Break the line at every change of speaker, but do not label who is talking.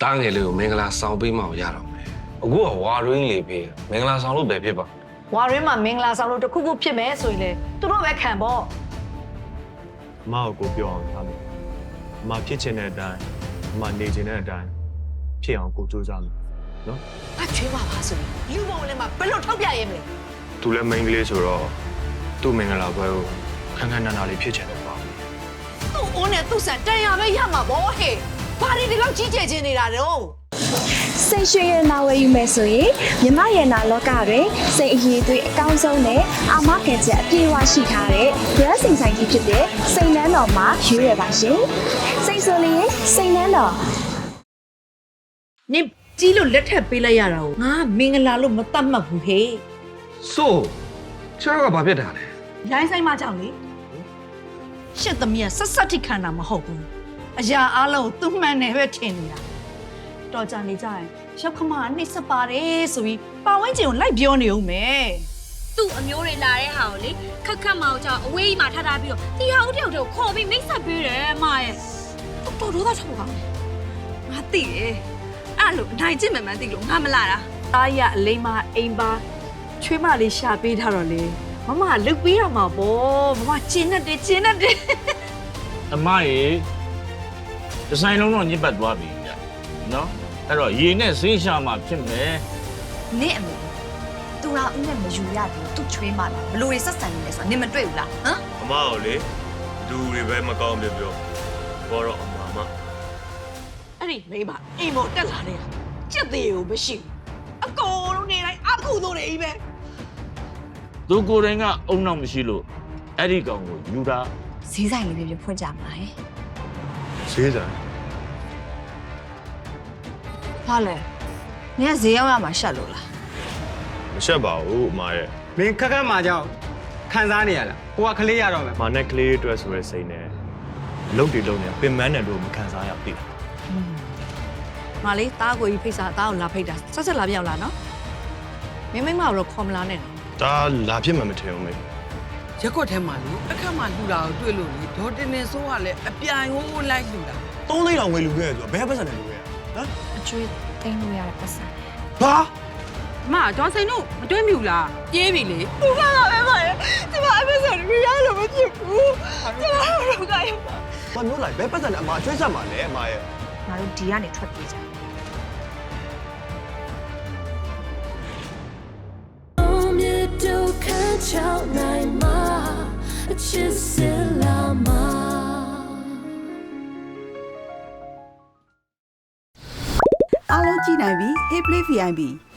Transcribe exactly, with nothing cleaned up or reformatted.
တားငယ်လေးကိုမင်္ဂလာဆောင်ပေးမှရတော့မယ်အခုကဝါရင်းလေးပေးမင်္ဂလာဆောင်လို့ပဲဖြစ်ပါ
ဝါရင်းမှာမင်္ဂလာဆောင်လို့တခုခုဖြစ်မယ်ဆိုရင်လေသူတို့ပဲခံပေါ့
အမကိုပြောအောင်ထားမယ်အမဖြစ်ချင်တဲ့အတိုင်းအမနေချင်တဲ့အတိုင်းဖြစ်အောင်ကိုစူးစမ်းမယ်နော်
အချွေးပါပါဆိုရင်လူပုံလည်းမဘယ်လိုထောက်ပြရဲမလဲ
သူလည်းမိန်းကလေးဆိုတော့သူ့မင်္ဂလာပွဲကိုခန်းခန်းနာနာလေးဖြစ်ချင်တော့ပါ
သူ့အိုးနဲ့သူ့ဆန်တန်ရပဲရမှာပေါ့ဟဲ့ဘာတွေဒီလောက်ကြီးကျယ်ချင်းနေတာတော့
စိတ်ရွှေရနာဝယ်ယူမယ်ဆိုရင်မြမရနာလောကတွင်စိတ်အရေးသွေးအကောင်းဆုံးနဲ့အာမခံချက်အပြည့်အဝရှိထားတဲ့ brand စိန်ဆိုင်ကြီးဖြစ်တဲ့စိန်နန်းတော်မှာရွေးရပါရှင်စိတ်ဆိုလျင်စိန်နန်းတော်
နင်ကြီးလို့လက်ထပ်ပေးလိုက်ရတာကိုငါမင်္ဂလာလို့မတတ်မှတ်ဘူးဟဲ့
ဆိုချောကဘာဖြစ်တာလဲ
ရိုင်းဆိုင်မကြောင့်လေရှစ်သမီးကဆက်ဆက်ထိခံတာမဟုတ်ဘူးအရာအားလုံးသူ့မှန်တယ်ပဲထင်နေတာတော်ကြနေကြရင်ရောက်ခမကနှိမ့်ဆက်ပါတယ်ဆိုပြီးပါဝင်းကျင်ကိုလိုက်ပြောနေဦးမယ်
သူ့အမျိုးတွေလာတဲ့ဟာကိုလေခက်ခက်မောင်ကြောင့်အဝေးကြီးမှာထားထားပြီးတော့တီဟာဦးတယောက်တည်းကိုခေါ်ပြီးမိတ်ဆက်ပေးတယ်အမရဲ့တော်တော်သားထုတ်ပါမယ်ငါသိတယ်အဲ့လိုအနိုင်ကျင့်မှန်မှန်သိလို့ငါမလာတာ
အားရအလိမ့်မအိမ်ပါချွေးမလေးရှာပေးထားတော့လေမမလုတ်ပေးရမှာပေါ့မမကျင်းနဲ့တယ်ကျင်းနဲ့တယ်
အမရေဒီဇိုင်းလုံးတော့ညစ်ပတ်သွားပြီဗျနော်အဲ့တော့ရေနဲ့ဆေးရှာမှဖြစ်မယ်
နင့်အမေသူရာဦးနဲ့မယူရဘူးသူချွေးမှလားဘလို့တွေဆက်ဆံနေလဲဆိုတာနင်မတွေ့ဘူးလားဟမ်
အမကိုလေလူတွေပဲမကောင်းပြပြောဘောတော့အမမ
အဲ့ဒီမိမအိမ်ပေါ်တက်လာတဲ့ကြက်သေးကိုမရှိဘူးအကုန်လုံးနေတိုင်းအခုတို့နေပဲ
သူကိုယ်တိုင်ကအုံနောက်မရှိလို့အဲ့ဒီကောင်ကိုယူတာ
ဈေးဆိုင်လေးပြပြဖွင့်ကြမှာဟဲ့
ဈေးဆိုင်
ဟာလေနင်ကဈေးရောက်ရမှာရှက်လို့လား
မရှက်ပါဘူးအမရဲ့
မင်းခက်ခက်မှာကြောက်ခံစားနေရလားဟိုကကလေးရတော့မယ်
မနဲ့ကလေးအတွက်ဆိုရဲစိတ်နဲ့အလုပ်တွေလုပ်နေပင်မန်းတယ်လို့မခံစားရပြီ
မလေးတားကိုကြီးဖိတ်စာတားကိုလာဖိတ်တာဆက်ဆက်လာပြောင်းလာနော်မင်းမိမတော့ခေါ်မလာနဲ့
ဒါလာဖြစ်မှမထင်ဘူးမေ
ရက်ကွက်ထဲမှာလေအခက်မှလှူတာကိုတွေ့လို့လေဒေါ်တင်နေစိုးကလည်းအပြိုင်ဟိုးလိုက်လှူတာ
သုံးသိန်းတောင်ဝယ်လူခဲ့ဆိုတော့ဘယ်ပတ်စံနဲ့လူခဲ့ဟမ်
အကျွေးသိမ်းလို့ရတဲ့ပတ်စံ
ဘာ
မဒေါ်စိန်တို့မတွေ့မိဘူးလားပြေးပြီလေ
သူကလည်းပဲပါရဲ့ဒီမှာအမေဆိုရင်ရလို့မဖြစ်ဘူးကျွန်တော်တို့ကရပါ
ဘာမျိုးလိုက်ဘယ်ပတ်စံနဲ့အမကျွေးဆက်မှာလဲအမရဲ့
ငါတို့ဒီကနေထွက်ပြေးကြ
အားလုံးကြည့်နိုင်ပြီ Hey Play ဗီ အိုင် ပီ